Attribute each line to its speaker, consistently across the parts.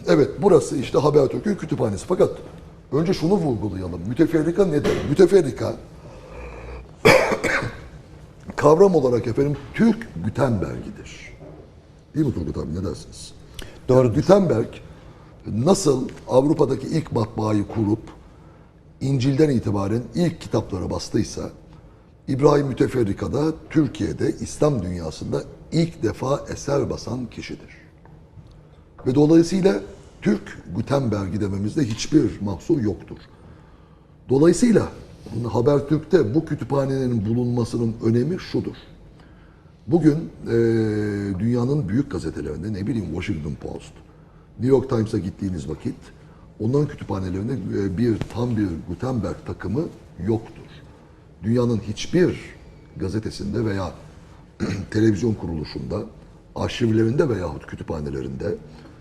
Speaker 1: Evet, burası işte Habertürk'ün kütüphanesi. Fakat önce şunu vurgulayalım. Müteferrika nedir? Müteferrika kavram olarak efendim Türk Gutenberg'idir. Değil mi Turgut abi, ne dersiniz?
Speaker 2: Doğru.
Speaker 1: Yani Gutenberg nasıl Avrupa'daki ilk matbaayı kurup İncil'den itibaren ilk kitaplara bastıysa, İbrahim Müteferrika da Türkiye'de, İslam dünyasında ilk defa eser basan kişidir. Ve dolayısıyla Türk Gutenberg'i dememizde hiçbir mahsur yoktur. Dolayısıyla Habertürk'te bu kütüphanenin bulunmasının önemi şudur. Bugün dünyanın büyük gazetelerinde, ne bileyim Washington Post, New York Times'a gittiğiniz vakit onların kütüphanelerinde tam bir Gutenberg takımı yoktur. Dünyanın hiçbir gazetesinde veya televizyon kuruluşunda, arşivlerinde veyahut kütüphanelerinde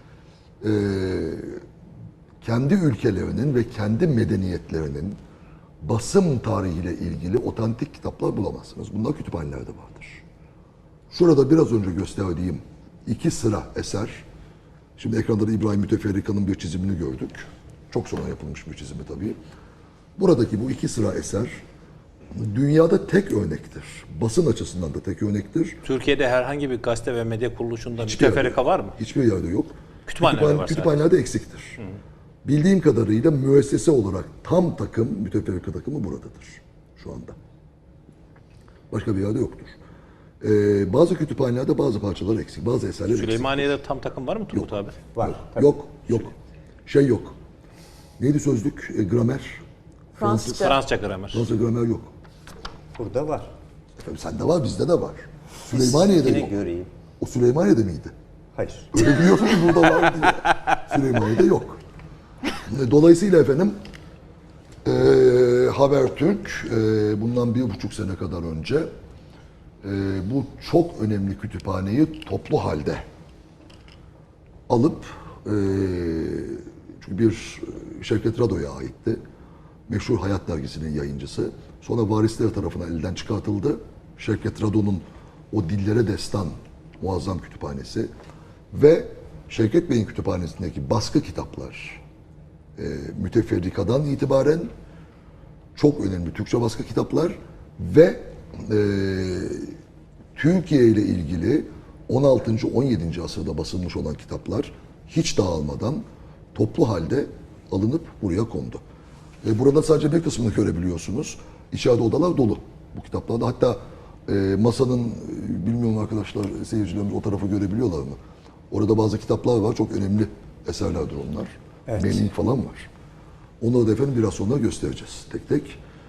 Speaker 1: kendi ülkelerinin ve kendi medeniyetlerinin basım tarihiyle ilgili otantik kitaplar bulamazsınız. Bunlar kütüphanelerde vardır. Şurada biraz önce gösterdiğim 2 sıra eser, şimdi ekranda da İbrahim Müteferrika'nın bir çizimini gördük. Çok sonra yapılmış bir çizimi tabii. Buradaki bu 2 sıra eser dünyada tek örnektir. Basın açısından da tek örnektir.
Speaker 3: Türkiye'de herhangi bir gazete ve medya kuruluşunda
Speaker 1: Hiçbir
Speaker 3: müteferrika
Speaker 1: yerde,
Speaker 3: var mı?
Speaker 1: hiçbir yerde yok.
Speaker 3: Kütüphanelerde var sadece.
Speaker 1: Kütüphanelerde eksiktir. Bildiğim kadarıyla müessese olarak tam takım, müteferrika takımı buradadır şu anda. Başka bir yerde yoktur. Bazı kütüphanelerde bazı parçalar eksik, bazı eserler eksik.
Speaker 3: Süleymaniye'de tam takım var mı Turgut abi?
Speaker 2: Var.
Speaker 1: Yok, yok. Şey yok. Neydi sözlük? Gramer.
Speaker 4: Fransızca.
Speaker 3: Fransızca gramer.
Speaker 1: Fransızca gramer yok.
Speaker 2: Burada var.
Speaker 1: Efendim sende var, bizde de var. Süleymaniye'de
Speaker 2: Yine
Speaker 1: yok.
Speaker 2: göreyim.
Speaker 1: O Süleymaniye'de miydi?
Speaker 2: Hayır.
Speaker 1: Öyle biliyorsun ki burada var diye. Süleymaniye'de yok. Dolayısıyla efendim Habertürk bundan 1,5 sene kadar önce bu çok önemli kütüphaneyi toplu halde alıp çünkü bir Şevket Rado'ya aitti. Meşhur Hayat Dergisi'nin yayıncısı. Sonra varisleri tarafından elden çıkartıldı. Şevket Rado'nun o dillere destan muazzam kütüphanesi ve Şevket Bey'in kütüphanesindeki baskı kitaplar Müteferrika'dan itibaren çok önemli Türkçe baskı kitaplar ve Türkiye ile ilgili 16. 17. asırda basılmış olan kitaplar hiç dağılmadan toplu halde alınıp buraya kondu. Burada sadece bir kısmını görebiliyorsunuz. İçeride odalar dolu bu kitaplarda. Hatta masanın, bilmiyorum arkadaşlar, seyircilerimiz o tarafı görebiliyorlar mı? Orada bazı kitaplar var. Çok önemli eserlerdir onlar.
Speaker 2: Evet.
Speaker 1: Manning falan var. Onları da efendim biraz sonra göstereceğiz tek tek.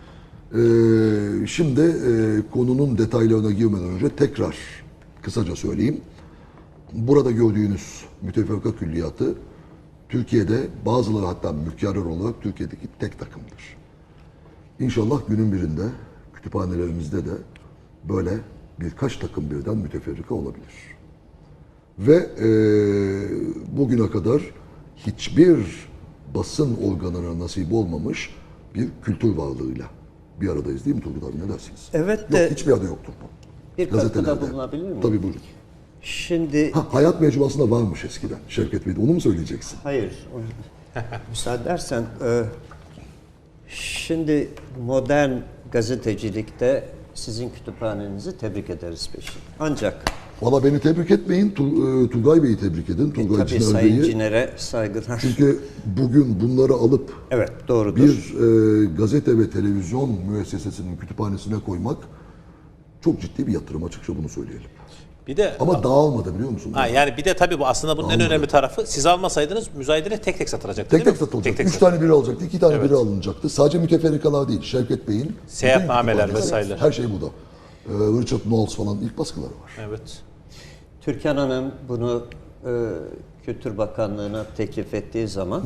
Speaker 1: Şimdi konunun detaylarına girmeden önce tekrar kısaca söyleyeyim. Burada gördüğünüz müteferrika külliyatı Türkiye'de bazıları hatta mükerrer olarak Türkiye'deki tek takımdır. İnşallah günün birinde kütüphanelerimizde de böyle birkaç takım birden müteferrika olabilir. Ve bugüne kadar hiçbir basın organına nasip olmamış bir kültür varlığıyla bir aradayız değil mi Turgut abi, ne dersiniz?
Speaker 2: Evet
Speaker 1: Yok,
Speaker 2: de
Speaker 1: hiçbir yerde yoktur bu.
Speaker 2: bir katkıda
Speaker 1: Gazetelerde.
Speaker 2: bulunabilir miyim?
Speaker 1: Tabii buyurun.
Speaker 2: Şimdi
Speaker 1: Hayat mecmuasında varmış eskiden Şevket Bey'de, onu mu söyleyeceksin?
Speaker 2: hayır. Müsaade edersen şimdi modern gazetecilikte sizin kütüphanenizi tebrik ederiz peşin. Ancak
Speaker 1: Valla beni tebrik etmeyin, Turgay Bey'i tebrik edin. Turgay
Speaker 2: tabii
Speaker 1: Ciner
Speaker 2: Sayın
Speaker 1: Bey'i.
Speaker 2: Ciner'e saygılar.
Speaker 1: Çünkü bugün bunları alıp
Speaker 2: Evet, doğrudur.
Speaker 1: bir gazete ve televizyon müessesesinin kütüphanesine koymak çok ciddi bir yatırım, açıkça bunu söyleyelim.
Speaker 3: Bir de
Speaker 1: Ama dağılmadı biliyor musun?
Speaker 3: yani bir de tabii bu aslında bunun en
Speaker 1: Anladım.
Speaker 3: önemli tarafı, siz almasaydınız müzayedene tek tek satılacaktı
Speaker 1: Tek
Speaker 3: değil
Speaker 1: tek
Speaker 3: mi?
Speaker 1: satılacaktı.
Speaker 3: Tek
Speaker 1: 3 tane biri alacaktı, 2 tane biri alınacaktı. Sadece müteferrikalar değil, Şevket Bey'in
Speaker 3: Seyahatnameler
Speaker 1: bütün kütüphanesi,
Speaker 3: vesaireler.
Speaker 1: her şey burada. Richard Knowles falan ilk baskıları var.
Speaker 3: Evet.
Speaker 2: Türkan Hanım bunu Kültür Bakanlığı'na teklif ettiği zaman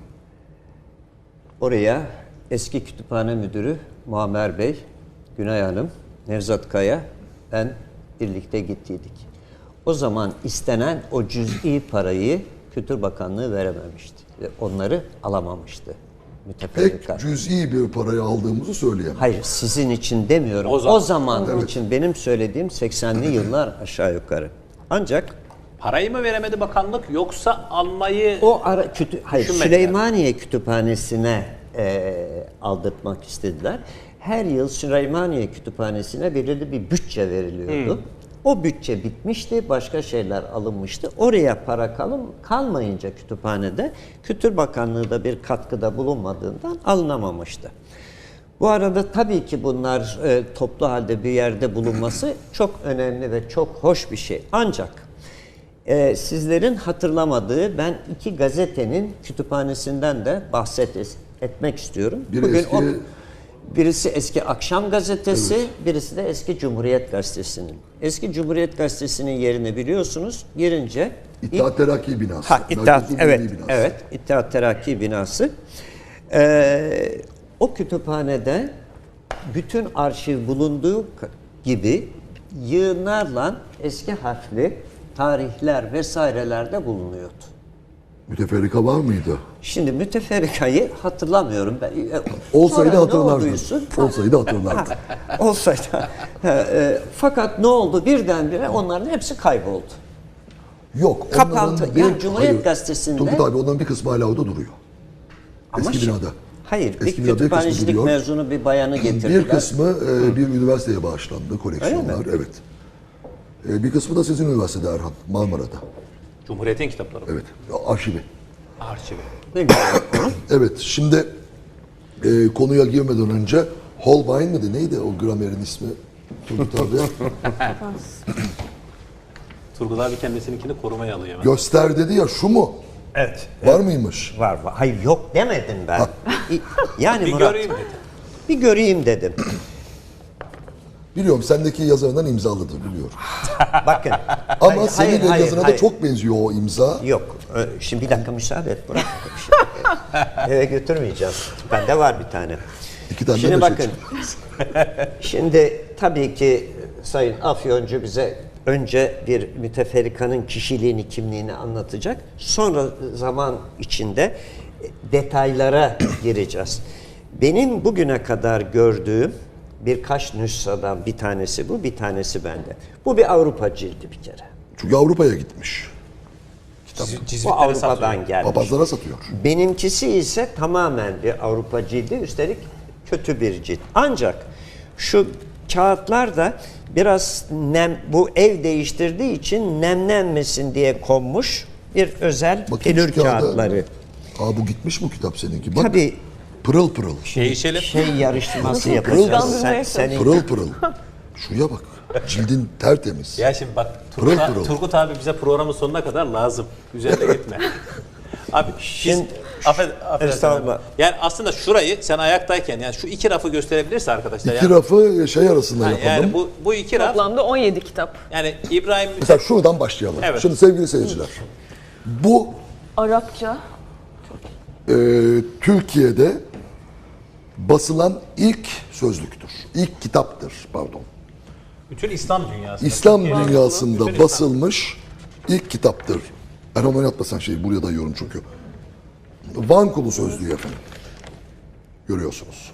Speaker 2: oraya eski kütüphane müdürü Muammer Bey, Günay Hanım, Nevzat Kaya, ben birlikte gittiydik. O zaman istenen o cüz'i parayı Kültür Bakanlığı verememişti ve onları alamamıştı müteferrika.
Speaker 1: Pek cüz'i bir parayı aldığımızı söyleyemem.
Speaker 2: Hayır, sizin için demiyorum.
Speaker 3: O
Speaker 2: O
Speaker 3: zaman.
Speaker 2: zaman için benim söylediğim 80'li yıllar aşağı yukarı. Ancak
Speaker 3: Parayı mı veremedi bakanlık yoksa almayı
Speaker 2: O hayır,
Speaker 3: düşünmediler.
Speaker 2: Süleymaniye Kütüphanesi'ne aldırtmak istediler. Her yıl Süleymaniye Kütüphanesi'ne belirli bir bütçe veriliyordu. O bütçe bitmişti, başka şeyler alınmıştı. Oraya para kalmayınca kütüphanede, Kültür Bakanlığı da bir katkıda bulunmadığından alınamamıştı. Bu arada tabii ki bunlar toplu halde bir yerde bulunması çok önemli ve çok hoş bir şey. Ancak sizlerin hatırlamadığı ben iki gazetenin kütüphanesinden de etmek istiyorum. Birisi eski Akşam Gazetesi, birisi de eski Cumhuriyet Gazetesi'nin. Eski Cumhuriyet Gazetesi'nin yerini biliyorsunuz. Girince
Speaker 1: İttihat Terakki binası. Merkezi
Speaker 2: evet,
Speaker 1: Milli binası.
Speaker 2: evet, İttihat Terakki binası. O kütüphanede bütün arşiv bulunduğu gibi yığınlarla eski harfli tarihler vesaireler de bulunuyordu.
Speaker 1: Müteferrika var mıydı?
Speaker 2: Şimdi müteferrikayı hatırlamıyorum. Ben,
Speaker 1: Olsaydı
Speaker 2: sonra ne
Speaker 1: hatırlardın.
Speaker 2: olduysa-
Speaker 1: Olsaydı hatırlardın.
Speaker 2: Olsaydı. Fakat ne oldu? Birdenbire onların hepsi kayboldu.
Speaker 1: Yok.
Speaker 2: Kapandı.
Speaker 1: onların
Speaker 2: Yani Cumhuriyet Gazetesi'nde-
Speaker 1: Turgut abi onların bir kısmı hala orada duruyor.
Speaker 2: Ama
Speaker 1: Eski binada.
Speaker 2: Hayır,
Speaker 1: Eski
Speaker 2: bir
Speaker 1: binada bir kısmı
Speaker 2: kütüphanecilik
Speaker 1: duruyor.
Speaker 2: mezunu bir bayanı getirdiler.
Speaker 1: Bir kısmı bir üniversiteye bağışlandı koleksiyonlar. Evet. Bir kısmı da sizin üniversitede Erhan, Marmara'da.
Speaker 3: Cumhuriyet'in kitapları.
Speaker 1: Evet. Arşivi.
Speaker 3: Arşivi.
Speaker 2: Ne güzel.
Speaker 1: Evet. Şimdi konuya girmeden önce Holbein miydi? Neydi o gramerin ismi? Turgut abi.
Speaker 3: Turgut abi kendisininkini korumaya alıyor. hemen.
Speaker 1: Göster dedi ya, şu mu?
Speaker 2: Evet.
Speaker 1: Var mıymış?
Speaker 2: Var. Hayır, yok demedim ben. Yani
Speaker 3: Bir
Speaker 2: Murat,
Speaker 3: göreyim dedi.
Speaker 2: bir göreyim dedim.
Speaker 1: Biliyorum, sendeki yazarından imzalıdır biliyorum.
Speaker 2: Bakın.
Speaker 1: Ama
Speaker 2: Hayır,
Speaker 1: senin
Speaker 2: hayır, hayır,
Speaker 1: yazına da
Speaker 2: hayır.
Speaker 1: çok benziyor o imza.
Speaker 2: Yok. Şimdi bir dakika müsaade et. Bırak. Eve götürmeyeceğiz. Bende var bir tane.
Speaker 1: İki tane
Speaker 2: Şimdi
Speaker 1: de
Speaker 2: bakın. Şimdi tabii ki Sayın Afyoncu bize önce bir müteferrikanın kişiliğini, kimliğini anlatacak. Sonra zaman içinde detaylara gireceğiz. Benim bugüne kadar gördüğüm birkaç nüshadan bir tanesi bu, bir tanesi bende. Bu bir Avrupa cildi bir kere.
Speaker 1: Çünkü Avrupa'ya gitmiş.
Speaker 2: Bu
Speaker 3: Cizvitlere
Speaker 2: Avrupa'dan
Speaker 3: satıyor.
Speaker 2: gelmiş.
Speaker 1: Papazlara satıyor.
Speaker 2: Benimkisi ise tamamen bir Avrupa cildi, üstelik kötü bir cilt. Ancak şu kağıtlar da biraz bu ev değiştirdiği için nemlenmesin diye konmuş bir özel
Speaker 1: Bakayım
Speaker 2: pelür
Speaker 1: şu kağıda.
Speaker 2: kağıtları.
Speaker 1: Bu gitmiş mi kitap seninki? Bak,
Speaker 2: Tabii
Speaker 1: pırıl pırıl.
Speaker 3: Değişelim.
Speaker 2: yarışması yapacağız. Senin
Speaker 1: Pırıl pırıl. Şuraya bak. Cildin tertemiz.
Speaker 3: Ya şimdi bak
Speaker 1: Pırıl pırıl.
Speaker 3: Turgut abi bize programın sonuna kadar lazım. Üzerine gitme. Abi
Speaker 2: Şimdi-
Speaker 3: affedersin.
Speaker 2: Estağfurullah.
Speaker 3: Abi. Yani aslında şurayı sen ayaktayken yani şu iki rafı gösterebilirse arkadaşlar.
Speaker 1: İki
Speaker 3: yani,
Speaker 1: rafı şey arasında yapalım.
Speaker 3: yani bu iki raf
Speaker 4: Toplamda 17 kitap.
Speaker 3: yani İbrahim
Speaker 1: Mesela şuradan başlayalım.
Speaker 3: Evet.
Speaker 1: Şimdi sevgili seyirciler. Bu
Speaker 4: Arapça.
Speaker 1: Türkiye'de basılan ilk sözlüktür. İlk kitaptır, pardon.
Speaker 3: bütün İslam dünyası.
Speaker 1: İslam
Speaker 3: Türkiye'de-
Speaker 1: dünyasında
Speaker 3: Bütün
Speaker 1: basılmış ilk kitaptır. Erhan oynatmasan şeyi buraya dayıyorum çünkü. Van Kulu sözlüğü efendim. Görüyorsunuz.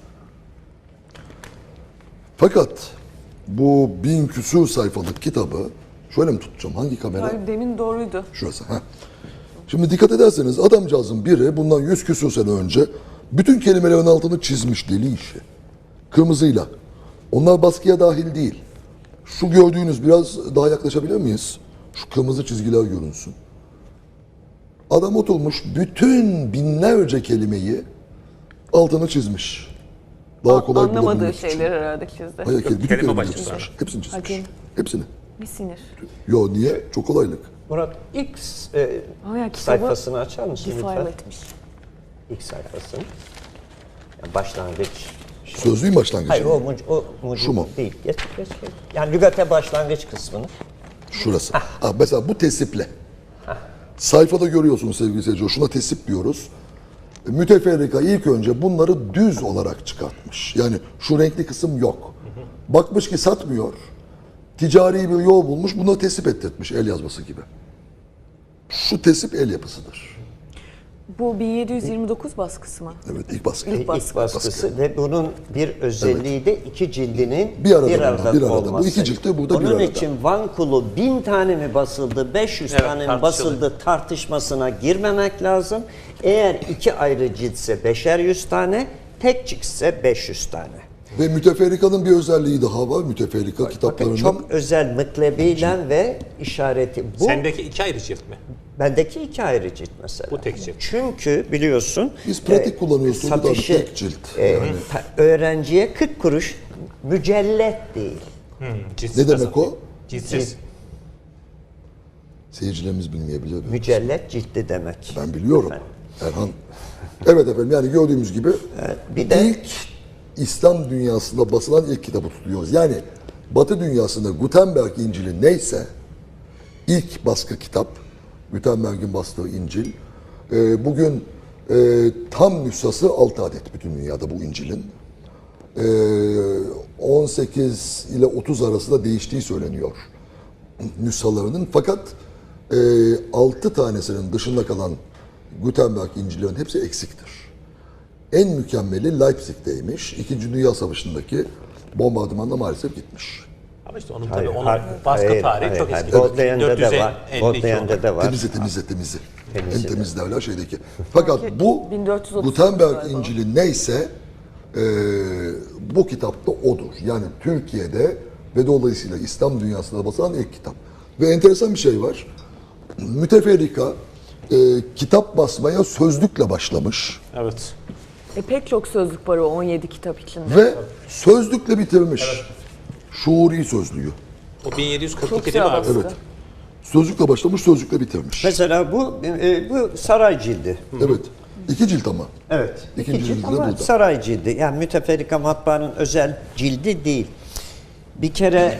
Speaker 1: Fakat bu 1000 küsur sayfalık kitabı şöyle mi tutacağım? Hangi kamera?
Speaker 4: Hayır, demin doğruydu.
Speaker 1: Şurası. Heh. Şimdi dikkat ederseniz adamcağızın biri bundan 100 küsur sene önce bütün kelimelerin altını çizmiş, deli işi. Kırmızıyla. Onlar baskıya dahil değil. Şu gördüğünüz, biraz daha yaklaşabilir miyiz? Şu kırmızı çizgiler görünsün. Adam oturmuş bütün binlerce kelimeyi altını çizmiş. Daha kolay
Speaker 4: Anlamadığı
Speaker 1: bulabilmek için.
Speaker 4: şeyleri herhalde çizdi.
Speaker 1: Hayır, bütün
Speaker 3: Kelime
Speaker 1: kelimeleri
Speaker 3: başında.
Speaker 1: çizmiş. Hepsini çizmiş.
Speaker 4: Hakim.
Speaker 1: Hepsini.
Speaker 4: Bir sinir.
Speaker 1: Yo, niye? Çok kolaylık.
Speaker 2: Murat ilk
Speaker 4: Ama ya kitabı
Speaker 2: sayfasını açar mısın
Speaker 4: defile
Speaker 2: lütfen?
Speaker 4: etmiş.
Speaker 2: İlk sayfasını. Yani başlangıç.
Speaker 1: Sözlüğün başlangıcı.
Speaker 2: Hayır o mucit
Speaker 1: Şu mu?
Speaker 2: değil. Geç. Yani lügate başlangıç kısmını.
Speaker 1: Şurası. Mesela bu tesiple. Sayfada görüyorsunuz sevgili seyirciler. Şuna tesip diyoruz. Müteferrika ilk önce bunları düz olarak çıkartmış. Yani şu renkli kısım yok. Bakmış ki satmıyor. Ticari bir yol bulmuş. Bunu tesip ettirtmiş, el yazması gibi. Şu tesip el yapısıdır.
Speaker 4: Bu 1729 baskısı mı?
Speaker 1: Evet, ilk baskı.
Speaker 4: İlk
Speaker 2: İlk
Speaker 4: baskı.
Speaker 2: baskısı ve bunun bir özelliği de iki cildinin
Speaker 1: Bir arada
Speaker 2: arada
Speaker 1: bir arada.
Speaker 2: olması.
Speaker 1: Bu iki cilt de burada bir
Speaker 2: Onun
Speaker 1: arada.
Speaker 2: için Van Kulu 1000 tane mi basıldı, 500
Speaker 3: Evet,
Speaker 2: tane mi
Speaker 3: tartışılır.
Speaker 2: basıldı tartışmasına girmemek lazım. Eğer iki ayrı ciltse 5'er 100 tane, tek ciltse 500 tane.
Speaker 1: Ve müteferrikanın bir özelliği daha var. Müteferrika
Speaker 2: Bakın
Speaker 1: kitaplarının
Speaker 2: çok özel mıklebiyle ve işareti. Bu
Speaker 3: Sendeki 2 ayrı cilt mi?
Speaker 2: bendeki iki ayrı cilt mesela.
Speaker 3: Bu tek cilt.
Speaker 2: Çünkü biliyorsun
Speaker 1: Biz pratik kullanıyoruz, çocuklar,
Speaker 2: satışı
Speaker 1: tek cilt.
Speaker 2: öğrenciye 40 kuruş mücellet değil.
Speaker 3: Ciltsiz
Speaker 1: Ne demek
Speaker 3: nasıl?
Speaker 1: o?
Speaker 3: Ciltsiz.
Speaker 1: Seyircilerimiz bilmeyebilir.
Speaker 2: Mücellet cildi demek.
Speaker 1: Ben biliyorum. Erhan. Evet efendim, yani gördüğümüz gibi
Speaker 2: Bir de
Speaker 1: ilk İslam dünyasında basılan ilk kitabı tutuyoruz. Yani Batı dünyasında Gutenberg İncil'i neyse ilk baskı kitap, Gutenberg'in bastığı İncil. Bugün tam nüshası 6 adet bütün dünyada bu İncil'in. 18 ile 30 arasında değiştiği söyleniyor nüshalarının. Fakat 6 tanesinin dışında kalan Gutenberg İncil'lerin hepsi eksiktir. En mükemmeli Leipzig'teymiş. İkinci Dünya Savaşı'ndaki bombardımanla maalesef gitmiş.
Speaker 3: Ama işte onun
Speaker 2: Hayır,
Speaker 3: tabii onun
Speaker 2: hayır,
Speaker 3: baskı
Speaker 2: hayır,
Speaker 3: tarihi
Speaker 2: hayır,
Speaker 3: çok
Speaker 2: hayır.
Speaker 3: eski.
Speaker 2: Bodleian'da da var.
Speaker 3: 452
Speaker 2: Bodleian'da da var.
Speaker 1: Temizle. En
Speaker 2: Temizle.
Speaker 1: temiz derler şeydeki. Fakat bu
Speaker 4: 1430
Speaker 1: Gutenberg
Speaker 4: galiba.
Speaker 1: İncil'i neyse bu kitapta odur. Yani Türkiye'de ve dolayısıyla İslam dünyasında basılan ilk kitap. Ve enteresan bir şey var. Müteferrika kitap basmaya sözlükle başlamış
Speaker 3: Evet.
Speaker 4: Pek çok sözlük var o 17 kitap içinde.
Speaker 1: ve sözlükle bitirmiş. Şuuri sözlüğü.
Speaker 3: O 1742
Speaker 4: Çok
Speaker 3: değil mi
Speaker 4: güzel
Speaker 3: abi?
Speaker 4: baskı.
Speaker 1: Evet. Sözlükle başlamış, sözlükle bitirmiş.
Speaker 2: Mesela bu saray cildi.
Speaker 1: Evet. 2 cilt ama.
Speaker 2: Evet.
Speaker 1: İkinci
Speaker 2: İki cilt
Speaker 1: cildi de
Speaker 2: ama
Speaker 1: burada.
Speaker 2: saray cildi. Yani müteferrika matbaanın özel cildi değil. Bir kere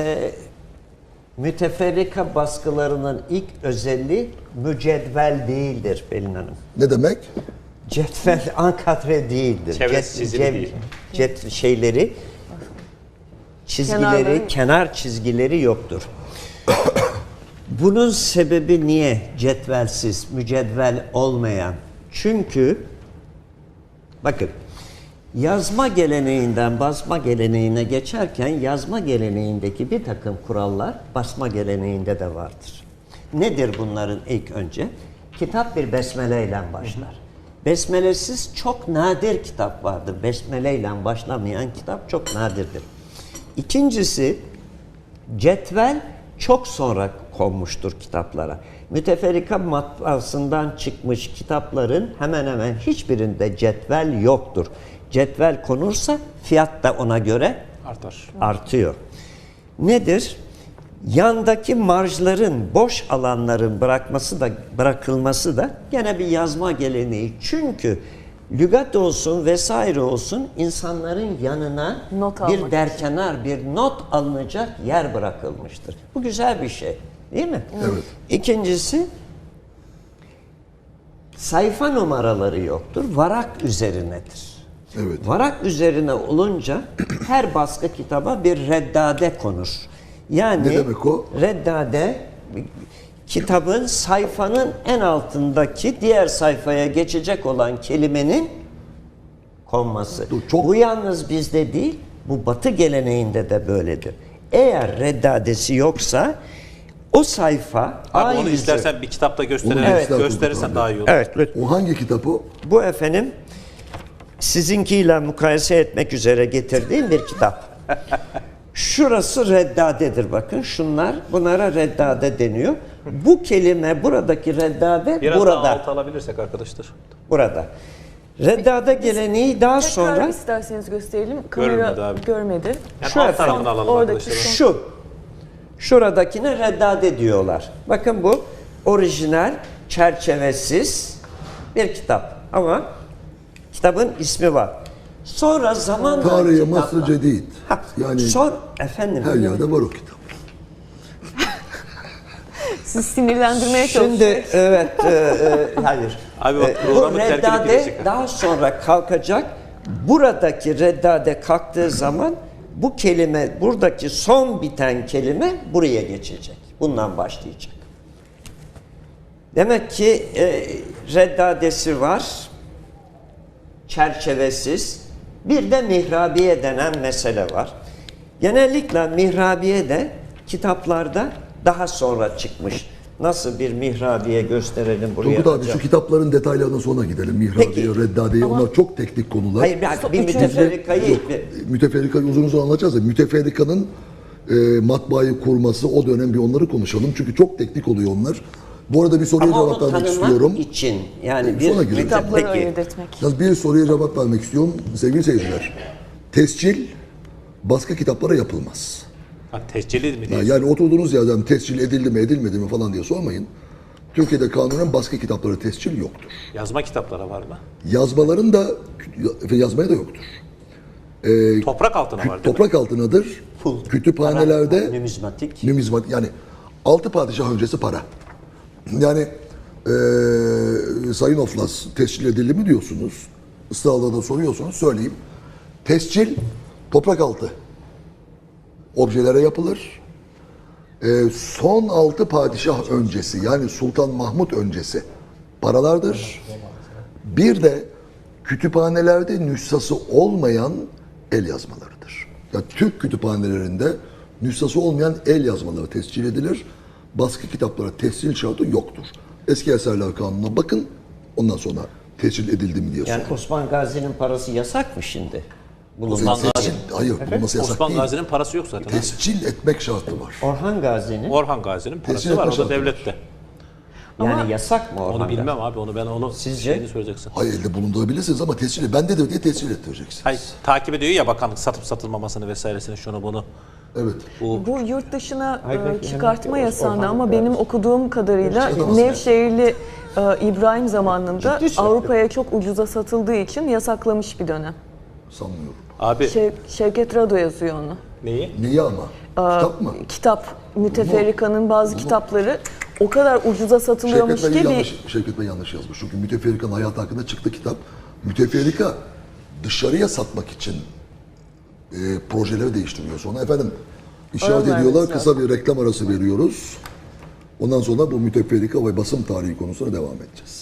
Speaker 2: müteferrika baskılarının ilk özelliği mücedvel değildir Pelin Hanım.
Speaker 1: Ne demek?
Speaker 2: Cetvel ankadre değildir.
Speaker 3: Çevresi çizili değil.
Speaker 2: Şeyleri, çizgileri,
Speaker 4: Kenarları.
Speaker 2: kenar çizgileri yoktur. Bunun sebebi niye cetvelsiz, mücedvel olmayan? Çünkü bakın yazma geleneğinden basma geleneğine geçerken yazma geleneğindeki bir takım kurallar basma geleneğinde de vardır. Nedir bunların ilk önce? Kitap bir besmele ile başlar. Besmelesiz çok nadir kitap vardır. Besmele ile başlamayan kitap çok nadirdir. İkincisi, cetvel çok sonra konmuştur kitaplara. Müteferrika matbaasından çıkmış kitapların hemen hemen hiçbirinde cetvel yoktur. Cetvel konursa fiyat da ona göre
Speaker 3: Artar.
Speaker 2: artıyor. Nedir? Yandaki marjların, boş alanların bırakılması da gene bir yazma geleneği. Çünkü lügat olsun vesaire olsun insanların yanına
Speaker 4: Not almak
Speaker 2: bir derkenar, bir not alınacak yer bırakılmıştır. Bu güzel bir şey, değil mi?
Speaker 1: Evet.
Speaker 2: İkincisi, sayfa numaraları yoktur, varak üzerinedir.
Speaker 1: Evet.
Speaker 2: Varak üzerine olunca her baskı kitaba bir reddade konur. Yani
Speaker 1: Ne demek o?
Speaker 2: reddade kitabın sayfanın en altındaki diğer sayfaya geçecek olan kelimenin konması.
Speaker 1: Çok-
Speaker 2: Bu yalnız bizde değil, bu Batı geleneğinde de böyledir. Eğer reddadesi yoksa o sayfa
Speaker 3: Abi onu
Speaker 2: yüzü-
Speaker 3: istersen bir kitapta
Speaker 1: Onu
Speaker 3: gösterirsen,
Speaker 1: göster
Speaker 3: gösterirsen
Speaker 1: abi.
Speaker 3: daha iyi olur.
Speaker 2: Evet, lütfen.
Speaker 1: O hangi kitap o?
Speaker 2: Bu efendim sizinkiyle mukayese etmek üzere getirdiğim bir kitap. Şurası reddadedir bakın. Bunlara reddade deniyor. Bu kelime buradaki reddade
Speaker 3: Biraz
Speaker 2: burada.
Speaker 3: daha alt alabilirsek arkadaşlar.
Speaker 2: Burada. Reddade geleneği daha
Speaker 4: Tekrar
Speaker 2: sonra
Speaker 4: isterseniz gösterelim.
Speaker 3: Görmedi
Speaker 4: Kamera
Speaker 3: abi.
Speaker 4: görmedi.
Speaker 3: Yani
Speaker 2: Şu
Speaker 3: alt
Speaker 2: efendim,
Speaker 3: tarafını alalım
Speaker 4: oradaki
Speaker 3: arkadaşlar.
Speaker 2: şu. Şuradakine reddade diyorlar. Bakın bu orijinal, çerçevesiz bir kitap. Ama kitabın ismi var. Sonra zamanla
Speaker 1: Tarihi
Speaker 2: kitaplar-
Speaker 1: Mısır Cedid.
Speaker 2: Ha,
Speaker 1: Yani
Speaker 2: efendim.
Speaker 1: her yerde var o kitap.
Speaker 4: Siz sinirlendirmeye çalışıyorsunuz.
Speaker 2: Şimdi evet, hayır.
Speaker 3: Abi bak,
Speaker 2: Bu
Speaker 3: programı terk edip
Speaker 2: reddade
Speaker 3: gidecek.
Speaker 2: daha sonra kalkacak. Buradaki reddade kalktığı zaman bu kelime, buradaki son biten kelime buraya geçecek. Bundan başlayacak. Demek ki reddadesi var, çerçevesiz. Bir de mihrabiye denen mesele var. Genellikle mihrabiye de kitaplarda daha sonra çıkmış. Nasıl bir mihrabiye gösterelim buraya.
Speaker 1: Turgut abi
Speaker 2: hocam.
Speaker 1: şu kitapların detaylarına sonra gidelim. Mihrabiye,
Speaker 2: Peki.
Speaker 1: Reddadiye onlar çok teknik konular.
Speaker 2: Hayır, bir müteferrikayı...
Speaker 1: Müteferrikayı uzun uzun anlatacağız da müteferrikanın matbaayı kurması o dönem bir onları konuşalım. Çünkü çok teknik oluyor onlar. Bu arada bir soruya
Speaker 2: Ama onu
Speaker 1: cevap vermek
Speaker 2: tanımak
Speaker 1: istiyorum.
Speaker 2: için yani
Speaker 1: Sonra
Speaker 2: bir
Speaker 1: girelim.
Speaker 4: Kitapları
Speaker 2: Peki.
Speaker 4: ayırt etmek.
Speaker 1: Yalnız bir soruya cevap vermek istiyorum sevgili seyirciler. Tescil başka kitaplara yapılmaz.
Speaker 3: Ha, tescilli mi diyorsun?
Speaker 1: Yani oturduğunuz yerden tescil edildi mi edilmedi mi falan diye sormayın. Türkiye'de kanunen başka kitaplara tescil yoktur.
Speaker 3: Yazma kitaplara var mı?
Speaker 1: Yazmaların da yazmaya da yoktur.
Speaker 3: Toprak altına var değil mi?
Speaker 1: Toprak altınadır.
Speaker 2: Pul,
Speaker 1: Kütüphanelerde
Speaker 2: para, numizmatik.
Speaker 1: numizmat yani 6 padişah öncesi para. Yani Sayın Oflas tescil edildi mi diyorsunuz. Israrla da soruyorsunuz. Söyleyeyim. Tescil toprak altı objelere yapılır. Son 6 padişah öncesi yani Sultan Mahmut öncesi paralardır. Bir de kütüphanelerde nüshası olmayan el yazmalarıdır. Yani Türk kütüphanelerinde nüshası olmayan el yazmaları tescil edilir. Baskı kitaplara tescil şartı yoktur. Eski Eserler Kanunu'na bakın. Ondan sonra tescil edildi mi diye sorun.
Speaker 2: Yani Osman Gazi'nin parası yasak mı şimdi?
Speaker 3: Osman Gazi.
Speaker 1: Hayır, bulunması yasak
Speaker 3: Osman
Speaker 1: değil.
Speaker 3: Gazi'nin parası yok zaten.
Speaker 1: Tescil etmek şartı var.
Speaker 2: Orhan Gazi'nin
Speaker 3: Orhan Gazi'nin parası
Speaker 1: Tescil
Speaker 3: var. O
Speaker 1: etme
Speaker 3: da
Speaker 1: şartı
Speaker 3: devlette.
Speaker 2: yani yasak mı Orhan
Speaker 3: Onu
Speaker 2: Gazi?
Speaker 3: bilmem abi. Onu ben onu
Speaker 2: Sizce?
Speaker 3: şeyini söyleyeceksin.
Speaker 1: Hayır, elde bulundurabilirsiniz ama tescili bende de diye tescil ettireceksiniz.
Speaker 3: Hayır, takip ediyor ya bakanlık satıp satılmamasını vesairesini şunu bunu.
Speaker 1: Evet.
Speaker 4: Bu yurt dışına
Speaker 2: Ay, belki
Speaker 4: çıkartma
Speaker 2: hemen
Speaker 4: yasağında
Speaker 2: Orhan
Speaker 4: ama
Speaker 2: Gazi.
Speaker 4: benim okuduğum kadarıyla
Speaker 1: Çıkartamaz.
Speaker 4: Nevşehirli İbrahim zamanında
Speaker 2: Ciddi söylüyorum.
Speaker 4: Avrupa'ya çok ucuza satıldığı için yasaklamış bir dönem.
Speaker 1: Sanmıyorum.
Speaker 3: Abi
Speaker 4: Şevket Rado yazıyor onu.
Speaker 3: neyi?
Speaker 1: Niye ama? Kitap mı?
Speaker 4: Kitap, Müteferrika'nın bazı kitapları o kadar ucuza satılıyormuş
Speaker 1: Şevket Bey yanlış yazmış. Çünkü Müteferrika'nın hayatı hakkında çıktı kitap. Müteferrika dışarıya satmak için projeleri değiştiriyor. Sonra efendim işaret
Speaker 4: Öyle
Speaker 1: ediyorlar.
Speaker 4: vermesi
Speaker 1: Kısa bir reklam arası veriyoruz. Ondan sonra bu müteferrika ve basım tarihi konusuna devam edeceğiz.